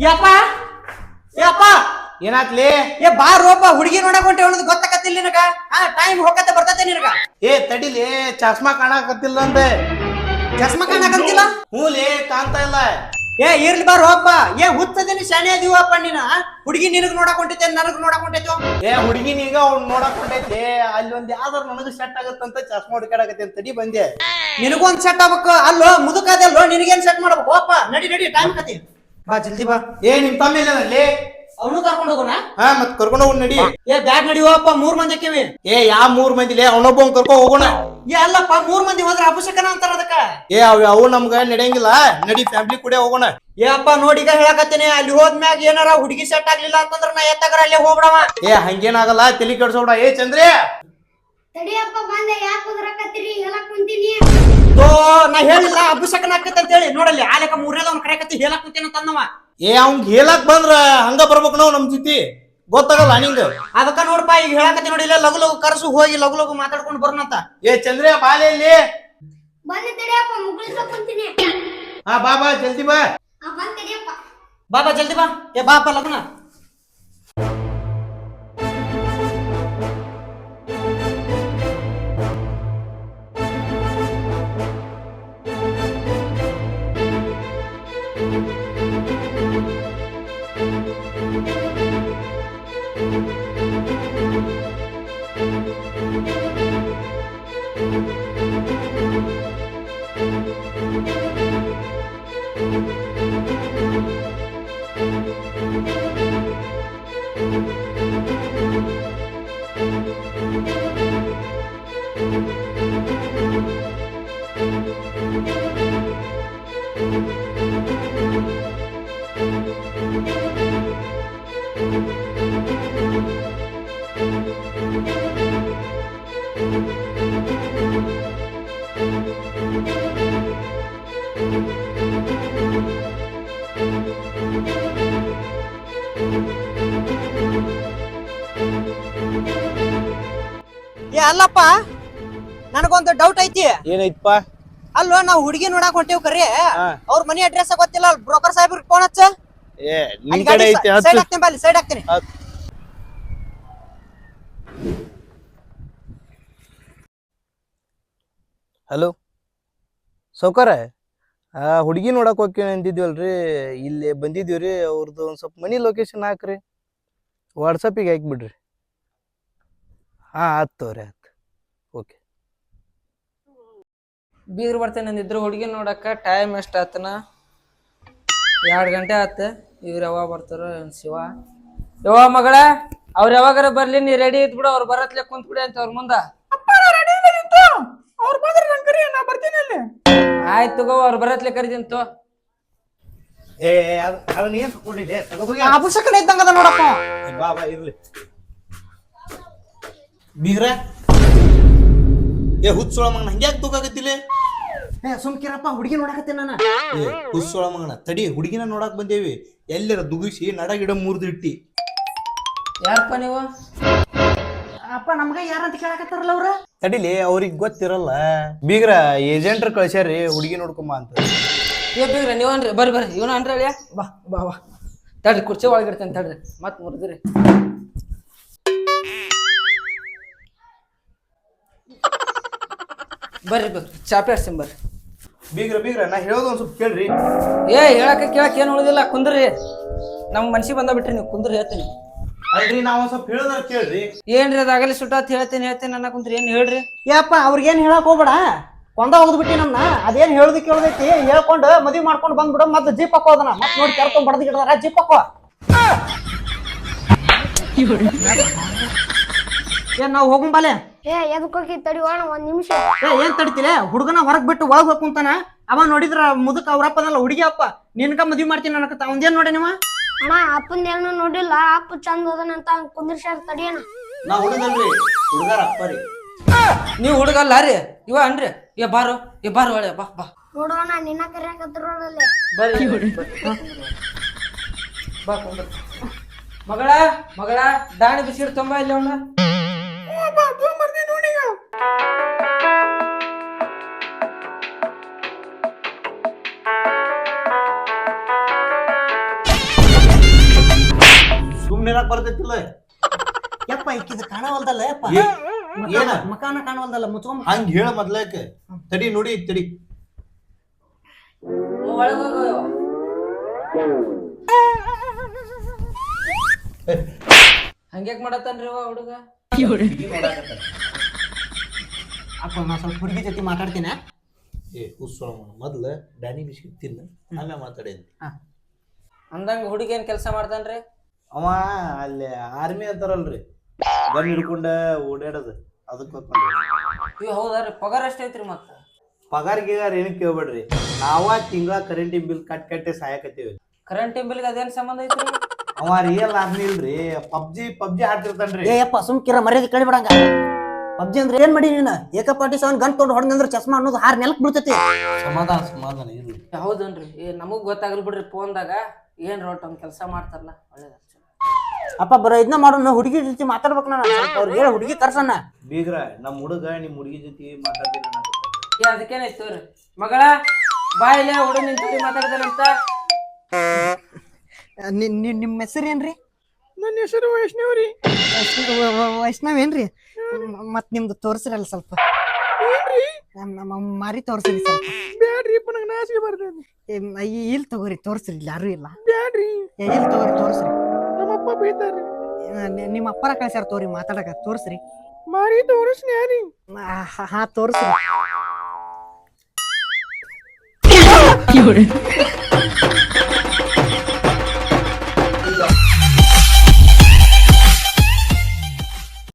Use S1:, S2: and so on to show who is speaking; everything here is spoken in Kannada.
S1: ಯಪ್ಪ ಯಪ್ಪ
S2: ಏನಾತ್ಲಿ?
S1: ಏ ಬಾರೋಪ ಹುಡುಗಿ ನೋಡಕ್ ಹೊಂಟೆ ಅನ್ನೋದು ಗೊತ್ತಾಕತ್ತಿಲ್ಲ ನಿನಗ. ಟೈಮ್ ಹೋಗತ್ತೆ ಬರ್ತೈತೆ ನಿನಗ.
S2: ಏ ತಡಿಲಿ, ಚಸ್ಮಾ ಕಾಣಕತ್ತಿಲ್ಲ ಅಂದೆ.
S1: ಚಸ್ಮಾ ಕಾಣಕಂತಿಲ್ಲ?
S2: ಹೂಲಿ, ಕಾಣ್ತಾ ಇಲ್ಲ.
S1: ಏ ಇರ್ಲಿ ಬಾರೋಪ. ಏ ಹುಚ್ಚದೇನಿ ಶಾಣೆ ಅದೀವಪ್ಪ ನೀನ. ಹುಡುಗಿ ನಿನಗ್ ನೋಡಕ್ ಹೊಂಟೈತೆ, ನನಗ್ ನೋಡಕ್ ಹೊಂಟೈತು.
S2: ಏ ಹುಡುಗಿ ನೀಗ ಅವ್ನು ನೋಡಕ್ ಹೊಂಟೈತಿ. ಅಲ್ಲಿ ಒಂದ್ ಯಾವ್ದಾರು ನನಗ ಸೆಟ್ ಆಗತ್ತಂತ ಚಸ್ಮಾ ಹುಡುಕಾಡಕತ್ತಿ ಅಂತ ತಡಿ ಬಂದೆ.
S1: ನಿನಗೊಂದ್ ಸೆಟ್ ಆಗ್ಬೇಕು. ಅಲ್ಲೋ ಮುದುಕದಲ್ಲೋ, ನಿನಗೇನ್ ಸೆಟ್ ಮಾಡ್ಬೇಕು? ಹೋಪ ನಡಿ ನಡಿ, ಟೈಮ್ ಕತಿ ಬಾ, ಜಲ್ದಿ ಬಾ.
S2: ಏ ನಿಮ್ ತಮ್ಮ ಇಲ್ಲ ಅಲ್ಲಿ?
S1: ಅವನು ಕರ್ಕೊಂಡು ಹೋಗೋಣ.
S2: ಹಾ, ಮತ್ ಕರ್ಕೊಂಡು ಹೋಗ್ ನಡಿ.
S1: ಏ ಬ್ಯಾಗ್ ನಡಿವಪ್ಪ, 3 ಮಂದಿ ಅಕ್ಕಿವಿ.
S2: ಏ ಯಾ 3 ಮಂದಿಲೆ ಅವನೊಬ್ಬ ಕರ್ಕೊ ಹೋಗೋಣ.
S1: ಏ ಅಲ್ಲಪ್ಪ, 3 ಮಂದಿ ಹೋದ್ರ ಅಪಶಕನ ಅಂತಾರ ಅದಕ್ಕ.
S2: ಏ ಅವು ನಮ್ಗ ನಡೆಯಂಗಿಲ್ಲ. ನಡಿ, ಫ್ಯಾಮಿಲಿ ಕೂಡ ಹೋಗೋಣ.
S1: ಏ ಅಪ್ಪ ನೋಡಿ, ಈಗ ಹೇಳಕತ್ತೇನೆ, ಅಲ್ಲಿ ಹೋದ್ಮ್ಯಾಗ ಏನಾರ ಹುಡುಗಿ ಸೆಟ್ ಆಗ್ಲಿಲ್ಲ ಅಂತಂದ್ರ ನಾ ಎತ್ತಾಗರ ಅಲ್ಲೇ ಹೋಗ್ಬಿಡವ.
S2: ಏ ಹಂಗೇನಾಗಲ್ಲ, ತಲಿ ಕೆಡ್ಸೋಡ. ಏ ಚಂದ್ರಿ,
S3: ತಡಿಯಪ್ಪ ಬಂದೆ. ಯಾಕೆ ಕುದ್ರಕತ್ತೀರಿ? ಹೇಳಕ್ ಕುಂತೀನಿ.
S1: ತೋ ನಾ ಹೇಳಿಲ್ಲ ಅಪಶಕನ ಆಕೈತೆ ಅಂತ ಹೇಳಿ. ನೋಡಲ್ಲಿ ಆಲೆಕ 3ನೇದವ್ನ ಕರೆಕತ್ತಿ ಹೇಳಕ್ ಕುಂತೇನ ಅಂತಂದವ.
S2: ಏ ಅವ್ನ್ ಹೇಳಕ್ ಬಂದ್ರ ಹಂಗ ಬರ್ಬೇಕು ನಾವು ನಮ್ ಜೊತೆ. ಗೊತ್ತಾಗಲ್ಲ ನಿಂಗ.
S1: ಅದಕ್ಕ ನೋಡಪ್ಪ, ಈಗ ಹೇಳಕತ್ತಿ ನೋಡಿ, ಇಲ್ಲ ಲಗು ಲಗು ಕರ್ಸು, ಹೋಗಿ ಲಗು ಲಗು ಮಾತಾಡ್ಕೊಂಡು ಬರೋಣಂತ.
S2: ಏ ಚಂದ್ರ ಬಾಲೆ ಇಲ್ಲಿ.
S3: ಬಂದೆ ತಡಿಯಪ್ಪ, ಮುಗಿಸ್ಲಕ್ ಕುಂತೀನಿ.
S2: ಹಾ ಬಾ ಬಾ, ಜಲ್ದಿ ಬಾ.
S3: ಬಂದ್ ತಡಿಯಪ್ಪ.
S1: ಬಾಬಾ ಜಲ್ದಿ ಬಾ. ಏ ಬಾಪ ಲಗ್ನ. ಏ ಅಲ್ಲಪ್ಪ, ನನಗೊಂದು ಡೌಟ್ ಐತಿ.
S2: ಏನೈತಪ್ಪ?
S1: ಅಲ್ವಾ ನಾವು ಹುಡುಗಿ ನೋಡಕ್ ಹೊಂಟೇವ್ ಕರೆ, ಅವ್ರ ಮನಿ ಅಡ್ರೆಸ್ ಗೊತ್ತಿಲ್ಲ. ಬ್ರೋಕರ್ ಸಾಹೇಬ್ರಿಗೆ ಫೋನ್ ಹಚ್ಚ.
S2: ಏ ನಿನ್ ಕಡೆ ಐತಿ,
S1: ಸೈಡ್ ಹಾಕ್ತೀನಿ ಬಾ, ಸೈಡ್ ಹಾಕ್ತೀನಿ.
S2: ಹಲೋ ಸೌಕಾರ, ಹುಡುಗಿ ನೋಡಕ್ ಹೋಗಿ ಅಂದಿದ್ವಲ್ರಿ, ಇಲ್ಲಿ ಬಂದಿದ್ದೀವ್ರಿ. ಅವ್ರದ್ದು ಒಂದ್ ಸ್ವಲ್ಪ ಮನಿ ಲೊಕೇಶನ್ ಹಾಕ್ರಿ, ವಾಟ್ಸಪ್ಪಿಗೆ ಹಾಕ್ಬಿಡ್ರಿ. ಹಾ ಆತ್ ತಗೋರಿ, ಆತ್. ಓಕೆ.
S4: ಬೀಗ್ರು ಬರ್ತೇನೆ ಅಂದಿದ್ರು ಹುಡುಗಿ ನೋಡಕ್ಕ. ಟೈಮ್ ಎಷ್ಟು ಆತನ? 2 ಗಂಟೆ ಆತ. ಇವ್ರು ಯಾವಾಗ ಬರ್ತಾರೋ ಶಿವ. ಯವ್ವ ಮಗಳ, ಅವ್ರು ಯಾವಾಗಾರ ಬರ್ಲಿ, ನೀ ರೆಡಿ ಇದ್ಬಿಡು. ಅವ್ರು ಬರತ್ಲೆ ಕುಂತ್ ಬಿಡಿ ಅಂತ ಅವ್ರ ಮುಂದ. ಆಯ್ತು ತಗೋ, ಅವ್ರು ಬರತ್ಲೆ ಕರಿದಿಂತು.
S2: ಏ ಅದನ್ನ ಏನ್ ತಗೊಂಡಿದ್ದೆ?
S1: ಅಪಶಕನ ಇದ್ದಂಗದ ನೋಡಪ್ಪ.
S2: ಬಾ ಬಾ, ಇರ್ಲಿ. ಬೀಗ್ರ, ಏ ಹುಚ್ಚೋಳ ಮಗನ ಹಂಗ್ಯಾಕ್ ತೂಕಾಗತ್ತಿಲ್ಲ?
S1: ಏ ಸುಮ್ಕಿರಪ್ಪ, ಹುಡುಗಿ ನೋಡಕತ್ತೀನಿ ನಾನು.
S2: ಏ ಹುಚ್ಚೋಳ ಮಗನ ತಡಿ, ಹುಡುಗಿನ ನೋಡಕ್ ಬಂದೇವಿ. ಎಲ್ಲರ ದುಗಿಸಿ ನಡಗಿಡ ಮುರಿದಿಟ್ಟಿ.
S4: ಯಾರಪ್ಪ ನೀವು?
S1: ಅಪ್ಪ ನಮ್ಗ ಯಾರಂತ ಕೇಳಕತ್ತಾರಲ್ಲ ಅವ್ರ.
S2: ತಡಿಲಿ, ಅವ್ರಿಗೆ ಗೊತ್ತಿರಲ್ಲ. ಬೀಗ್ರ ಏಜೆಂಟ್ರ ಕಳ್ಸ್ಯಾರಿ ಹುಡುಗಿ ನೋಡ್ಕೊಂಬ ಅಂತ.
S4: ಏ ಬೀಗ್ರ ನೀವನ್ರಿ, ಬರ್ರಿ ಬರ್ರಿ. ಇವನು ಅನ್ರಿ ಅಳಿಯ. ಬಾ ಬಾ ಬಾ, ತಡ್ರಿ ಕುರ್ಚಿ ಒಳಗಿಡ್ತೇನೆ ತಡ್ರಿ. ಮತ್ ಮುರಿದ್ರಿ. ಬರ್ರಿ ಬರ್ರಿ, ಚಾಪೆ ಹಚ್ತೀನಿ ಬರ್ರಿ.
S2: ಬೀಗ್ರ ನಾ ಹೇಳೋದು ಒಂದ್ ಸ್ವಲ್ಪ ಕೇಳ್ರಿ.
S4: ಏ ಹೇಳಕ್ಕೆ ಕೇಳಕ್ಕೆ ಏನು ಉಳಿದಿಲ್ಲ, ಕುಂದ್ರಿ. ನಮ್ಮ ಮನ್ಸಿಗೆ ಬಂದ ಬಿಟ್ರಿ ನೀವು, ಕುಂದ್ರಿ ಹೇಳ್ತೀನಿ.
S2: ಅಲ್ರಿ, ನಾವ್ ಒಂದ್ ಸ್ವಲ್ಪ ಹೇಳೋದ್ರ ಕೇಳ್ರಿ.
S4: ಏನ್ರಿ ಅದಾಗಲಿ ಸುಟ್ಟಾತ್ ಹೇಳ್ತೀನಿ ಅನ್ನ ಕುಂತ್ರಿ. ಏನ್ ಹೇಳ್ರಿ?
S1: ಏಪ್ಪ ಅವ್ರಿಗೇನ್ ಹೇಳಕ್ ಹೋಗ್ಬೇಡ. ಕೊಂಡ ಹೋಗ್ಬಿಟ್ಟಿ ನಮ್ನ. ಅದೇನ್ ಹೇಳುದು ಕೇಳ್ದೈತಿ ಹೇಳ್ಕೊಂಡು ಮದ್ವಿ ಮಾಡ್ಕೊಂಡು ಬಂದ್ಬಿಡ. ಮತ್ತೆ ಜೀಪ್ ಹಾಕೋದನ ಮತ್ ನೋಡಿ ಕರ್ಕೊಂಡ್ ಬಡದ್ ಗಿಡದಾರ. ಜೀಪ್ ಹಾಕೋ. ಏನ್ ನಾವ್ ಹೋಗಂ ಬಾಲೆ?
S3: ಏ ಎದಕ್ ಹೋಗಿ ತಡಿಯೋಣ 1 ನಿಮಿಷ.
S1: ಏನ್ ತಡಿತಿಲ್ಲ? ಹುಡುಗನ ಹೊರಗ್ ಬಿಟ್ಟು ಒಳಗ್ ಹೋಗ್ಕುಂತಾನ. ಅವ ನೋಡಿದ್ರ ಮುದುಕ ಅವ್ರಪ್ಪನಲ್ಲ ಹುಡುಗಿ ಅಪ್ಪ. ನಿನ್ಕ ಮದ್ವಿ ಮಾಡ್ತೀನಿ ಅನ್ನಕತ್ತ. ಅವಂದೇನ್ ನೋಡಿ ನೀವ?
S3: ಅಣ್ಣ ಅಪ್ಪನ ಏನು ನೋಡಿಲ್ಲ. ಅಪ್ಪ ಚಂದ ಅದನಂತ ಕುಂದ್ರಶಾರ ತಡಿಯಣ.
S2: ನಾ ಹುಡುಗಲ್ರಿ, ಹುಡುಗಾರ ಅಪ್ಪರಿ.
S4: ನೀವು ಹುಡುಗಲ್ಲ ರೀ, ಇವ ಅನ್ರಿ. ಏ ಬಾರು ಒಳ್ಳೆ ಬಾ ಬಾ.
S3: ನೋಡೋಣ, ನಿನ್ನ ಕರೆಯಾಕತ್ತಿರೋಳಲ್ಲೇ.
S4: ಬರ್ರಿ ಬಾ ಕುಂದ್ರ. ಮಗಳ ದಾಣಿ ಬಿಸಿರು ತುಂಬ ಇಲ್ಲ ಅವನ.
S2: ನೀರಾಕ್ ಬರ್ತೈತಿಲ್ಲ
S1: ಯಪ್ಪ ಈಕಿದ ಕಾಣವಲ್ದಲ್ಲ ಯಪ್ಪ
S2: ಏನ
S1: ಮಕಾನ ಕಾಣವಲ್ದಲ್ಲ ಮುಚ್ಕೊಂಡ್
S2: ಹಂಗ ಹೇಳ ಮೊದ್ಲಕ ತಡಿ ನೋಡಿ ತಡಿ
S4: ಒಳಗೆ ಹೋಗು ಯವ್ವ. ಹಂಗ್ಯಾಕ್ ಮಾಡತ್ತಾನ್ರಿ ಅವ ಹುಡುಗ
S1: ಅಪ್ಪ ನಾ ಸ್ವಲ್ಪ ಹುಡುಗಿ ಜೊತೆ ಮಾತಾಡ್ತೀನಿ
S2: ಏ ಹುಸ್ಸೊಳ ಮೊದ್ಲ ಡ್ಯಾನಿ ಬಿಸ್ಕಿಟ್ ತಿನ್ನ ಆಮೇಲೆ ಮಾತಾಡೇನಿ
S4: ಅಂದಂಗ ಹುಡುಗಿ ಏನ್ ಕೆಲಸ ಮಾಡ್ತಾನ್ರಿ
S2: ಅವ ಅಲ್ಲಿ ಆರ್ಮಿ ಅಂತಾರಲ್ರಿ ಗನ್ ಹಿಡ್ಕೊಂಡ ಓಡಾಡೋದು ಅದಕ್ಕೆ
S4: ಇವ್ ಹೌದಾರಿ ಪಗಾರ ಎಷ್ಟ್ ಐತ್ರಿ ಮತ್ತ
S2: ಪಗಾರ ಗಿಗಾರ ಏನ್ ಕೇಳ್ಬೇಡ್ರಿ ನಾವ ತಿಂಗಳ ಕರೆಂಟಿನ ಬಿಲ್ ಕಟ್ಟಿ ಸಾಯಕತ್ತೀವಿ
S4: ಕರೆಂಟ್ ಬಿಲ್ಗೆ ಅದೇನ್ ಸಂಬಂಧ ಐತ್ರಿ
S2: ಅವ ರಿಯಲ್ ಆರ್ಮಿ ಇಲ್ರಿ ಪಬ್ಜಿ ಆಡ್ತಿರ್ತಾನ್ರಿ
S1: ಏ ಯಪ್ಪ ಸುಮ್ಕಿರ ಮರ್ಯಾದೆ ಕಳಿಬಿಡಂಗ ಪಬ್ಜಿ ಅಂದ್ರೆ ಏನ್ ಮಾಡಿ ನೀನು ಏಕಪಾಟಿ ಸವನ್ ಗನ್ ತೊಗೊಂಡು ಹೊಡೆದಂದ್ರೆ ಚಸ್ಮಾ ಅನ್ನೋದು ಹಾರ್ ನೆಲಕ್ ಬೀಳ್ತೈತಿ
S2: ಸಮಾಧಾನ ಇರ್ಲಿ
S4: ಹೌದನ್ರಿ ಏ ನಮಗ್ ಗೊತ್ತಾಗಲ್ ಬಿಡ್ರಿ ಫೋನ್ದಾಗ ಏನ್ ರೋಟ್ ಒಂದ್ ಕೆಲಸ ಮಾಡ್ತಾರಲ್ಲ ಒಳ್ಳೇದ
S1: ಅಪ್ಪ ಬರೋ ಇದನ್ನ ಮಾಡೋಣ ಹುಡುಗಿ ಜೊತೆ ಮಾತಾಡ್ಬೇಕು ನಾನು ಸ್ವಲ್ಪ ಅವ್ರಿಗೆ ಹೇಳ ಹುಡುಗಿ ಕರ್ಸಣ್ಣ
S2: ಬೀಗ್ರ ನಮ್ ಹುಡುಗ ನಿಮ್ ಹುಡುಗಿ ಜೊತೆ ಮಾತಾಡ್ತೀನಿ
S4: ಏ ಅದಕ್ಕೇನಾಯ್ತು ತೋರಿ ಮಗಳ ಬಾ ಇಲ್ಲೇ ಹುಡುಗ ನಿನ್ ಜೊತೆ ಮಾತಾಡ್ತಾನಂತ
S1: ನಿಮ್ಮ ಹೆಸರು ಏನ್ರಿ
S2: ನನ್ನ ಹೆಸರು ವೈಷ್ಣವ್ರಿ
S1: ವೈಷ್ಣವ್ ಏನ್ರಿ ಮತ್ ನಿಮ್ದು ತೋರ್ಸಿರಲ್ಲ ಸ್ವಲ್ಪ ನಮ್ಮ ಮಾರಿ ತೋರ್ಸಿರಿ ಸ್ವಲ್ಪ
S2: ಬ್ಯಾಡ್ರಿ ನನಗೆ ನಾಚಿಕೆ ಬರ್ತದೆ
S1: ಇಲ್ಲಿ ತಗೋರಿ ತೋರ್ಸ್ರಿ ಇಲ್ಲಿ ಯಾರು ಇಲ್ಲ
S2: ಬ್ಯಾಡ್ರಿ
S1: ಇಲ್ಲಿ ತಗೋರಿ ತೋರ್ಸ್ರಿ
S2: ನಮ್ಮಪ್ಪ ಬೈತಾರ್ರಿ
S1: ನಿಮ್ಮ ಅಪ್ಪರ ಕಳ್ಸ್ಯಾರ ತೋರಿ ಮಾತಾಡಕ ತೋರ್ಸ್ರಿ
S2: ಮಾರಿ ತೋರಿಸ್ನಿ ಯಾರಿ
S1: ಹಾ ತೋರ್ಸ್ರಿ